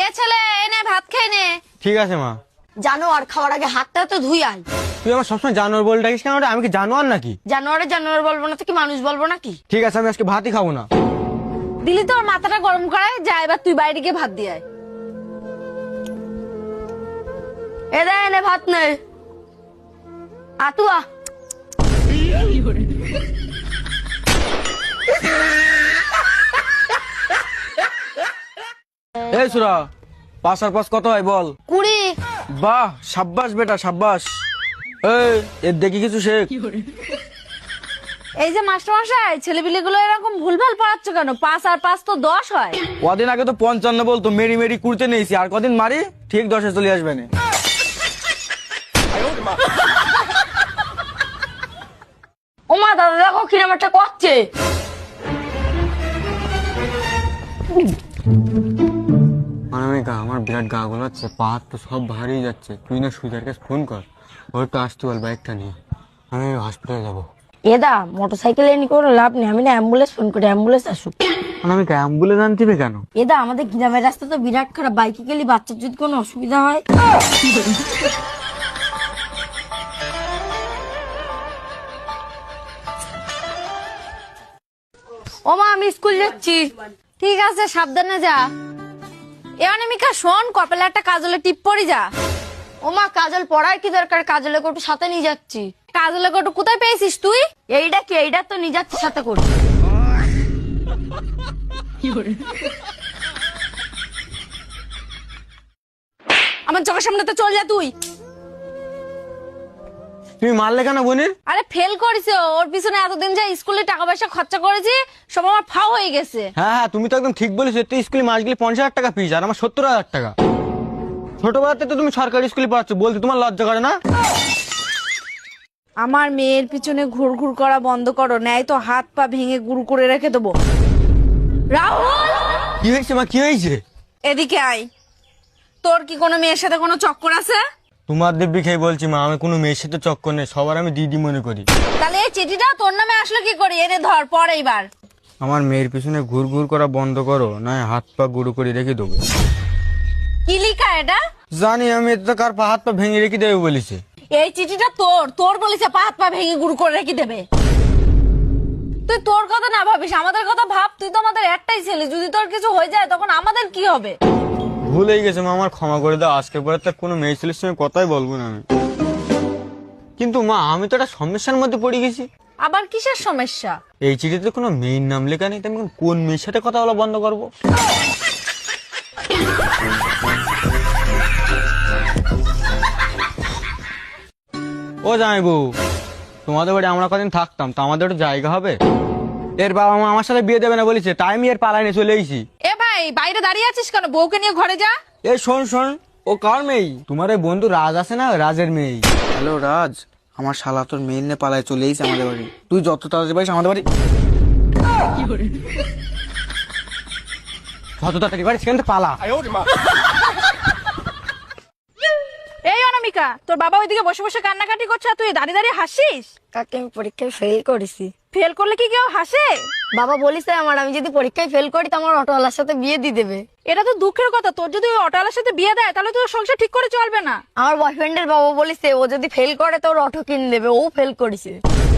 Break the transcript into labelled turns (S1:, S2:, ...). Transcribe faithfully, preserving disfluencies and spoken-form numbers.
S1: এ ছেলে এনে ভাত খেয়ে নে।
S2: ঠিক আছে মা।
S1: জানোয়ার খাওয়ার আগে হাতটা তো ধুই আয়।
S2: তুই আমার সবসময় জানোয়ার বলে ডাকিস কেন? আমি কি জানোয়ার নাকি?
S1: জানোয়ারে জানোয়ার বলবো না তো কি মানুষ বলবো নাকি?
S2: ঠিক আছে, আমি আজকে ভাতই খাবো না।
S1: দিলি তোর মাথাটা গরম করায় যা, এবার তুই বাইরে গিয়ে ভাত দিয়ে আয়। এ দে এনে ভাত নে। আতুয়া
S3: এই সুরা, পাঁচ আর পাঁচ কত হয় বল?
S1: কুড়ি।
S3: বাহ, সাব্বাস বেটা সাব্বাস। এই এর দেখি কিছু শেখ।
S1: এই যে মাস্টার মশাই, ছেলেপিলে গুলো এরকম ভুলভাল পড়াচ্ছ কেন? পাঁচ আর পাঁচ তো দশ হয়।
S3: কদিন আগে তো পঞ্চান্ন বলতো, মেরি মেরি কুড়তে নিয়েছি, আর কদিন মারি ঠিক দশে চলে আসবে না।
S1: ওমা দাদা দেখো কিরম একটা করছে।
S2: অনামিকা, আমার বিরাট গা গোলাচ্ছে, পা হাত তো সব ভারী যাচ্ছে। তুই না সুজার কাছে ফোন কর, ওর তো আসতে বল বাইকটা নিয়ে, আমি হসপিটালে যাবো।
S1: এদা মোটরসাইকেল এনে কোনো লাভ নেই, আমি না অ্যাম্বুলেন্স ফোন করি, অ্যাম্বুলেন্স আসুক।
S2: অনামিকা, অ্যাম্বুলেন্স আনতিবে কেন?
S1: এদা আমাদের গ্রামের রাস্তা তো বিরাট খারাপ, বাইকে গেলে বাচ্চার যদি কোনো অসুবিধা হয়। ও মা, আমি স্কুল যাচ্ছি। ঠিক আছে, সাবধানে যা। এ অনামিকা শোন, কপালে একটা কাজলের টিপ পরি যা। ও মা, কাজল পড়ার কি দরকার? কাজলের কোটু সাথে নিয়ে যাচ্ছি। কাজলের কোটু কোথায় পেয়েছিস তুই? এইটা কি? এইটা তো নিয়ে যাচ্ছি সাথে করে। আমার চোখের সামনে তো চল যা তুই।
S2: তুমি মারলে কেন বোনের?
S1: আরে ফেল করেছে, ওর পিছনে এতদিন যা স্কুলে টাকা পয়সা খরচা করেছি সব আমার ফাও হয়ে গেছে।
S2: হ্যাঁ হ্যাঁ, তুমি তো একদম ঠিক বলেছো। তুই স্কুলে মাস গেলে পঞ্চাশ হাজার টাকা ফিস, আর আমার সত্তর হাজার টাকা। ছোটবেলাতে তো তুমি সরকারি স্কুলে পড়াচ্ছ, বলতে তোমার লজ্জা করে না?
S1: আমার মেয়ের পিছনে ঘুর ঘুর করা বন্ধ করো, নেয় তো হাত পা ভেঙে গুরু করে রেখে দেবো। রাহুল,
S2: কি হয়েছে মা, কি হয়েছে?
S1: এদিকে আয়। তোর কি কোনো মেয়ের সাথে কোনো চক্কর আছে?
S2: তোমার দিব্যি খেয়ে বলছি মা, আমি কোনো মেয়ের সাথে চক্কর নেই, সবার আমি দিদি মনে করি।
S1: তাহলে এই চিঠিটা তোর নামে আসলো কি করে? এনে ধর, পর এইবার।
S2: আমার মেয়ের পিছনে ঘুর ঘুর করা বন্ধ করো, না হাত পা গুঁড়ো করে রেখে দেবো।
S1: কি লিখা এটা?
S2: জানি আমি, এতে তো কার পা হাত পা ভেঙে রেখে দেবে বলেছে।
S1: এই চিঠিটা তোর তোর বলেছে পা হাত পা ভেঙে গুরু করে রেখে দেবে। তুই তোর কথা না ভাবিস, আমাদের কথা ভাব। তুই তো আমাদের একটাই ছেলে, যদি তোর কিছু হয়ে যায় তখন আমাদের কি হবে?
S2: ভুল হয়ে গেছে মা, আমার ক্ষমা করে দাও। আজকে পরে তো কোনো মেয়ে ছেলের সঙ্গে কথাই বলবো না আমি। কিন্তু মা, আমি তো একটা সমস্যার মধ্যে পড়ে গেছি।
S1: আবার কিসের সমস্যা?
S2: এই চিঠিতে কোনো মেয়ের নাম লেখা নেই, তো আমি এখন কোন মেয়ের সাথে কথা বলা বন্ধ করবো? ও জামাইবু, তোমাদের বাড়ি আমরা কদিন থাকতাম, তো আমাদের একটা জায়গা হবে? এর বাবা মা আমার সাথে বিয়ে দেবে না বলেছে, তাই আমি এর পালায় নিয়ে চলে এসেছি।
S1: এ ভাই, বাইরে দাঁড়িয়ে আছিস কেন? বউকে নিয়ে ঘরে যা।
S2: এই শোন শোন, ও কার মেয়ে? তোমার ওই বন্ধু রাজ আছে না, রাজের মেয়ে।
S3: হ্যালো রাজ, আমার শালা তোর মেয়ের নিয়ে পালায় চলে এসেছে আমাদের বাড়ি। তুই যত তাড়াতাড়ি পারিস আমাদের বাড়ি।
S2: যত তাড়াতাড়ি পারিস সেখান থেকে পালা।
S1: এই অনামিকা, তোর বাবা ওইদিকে বসে বসে কান্নাকাটি করছে আর তুই দাঁড়িয়ে দাঁড়িয়ে হাসিস।
S4: কাকে আমি পরীক্ষায় ফেল করেছি।
S1: ফেল করলে কি কেউ হাসে?
S4: বাবা বলিছে আমার, আমি যদি পরীক্ষায় ফেল করি তো আমার অটোওয়ালার সাথে বিয়ে দিয়ে দেবে।
S1: এটা তো দুঃখের কথা, তোর যদি ওই অটোওয়ালার সাথে বিয়ে দেয় তাহলে তোর সংসার ঠিক করে চলবে না।
S4: আমার বয়ফ্রেন্ডের বাবা বলিছে ও যদি ফেল করে তো ওর অটো কিনে দেবে, ও ফেল করেছে।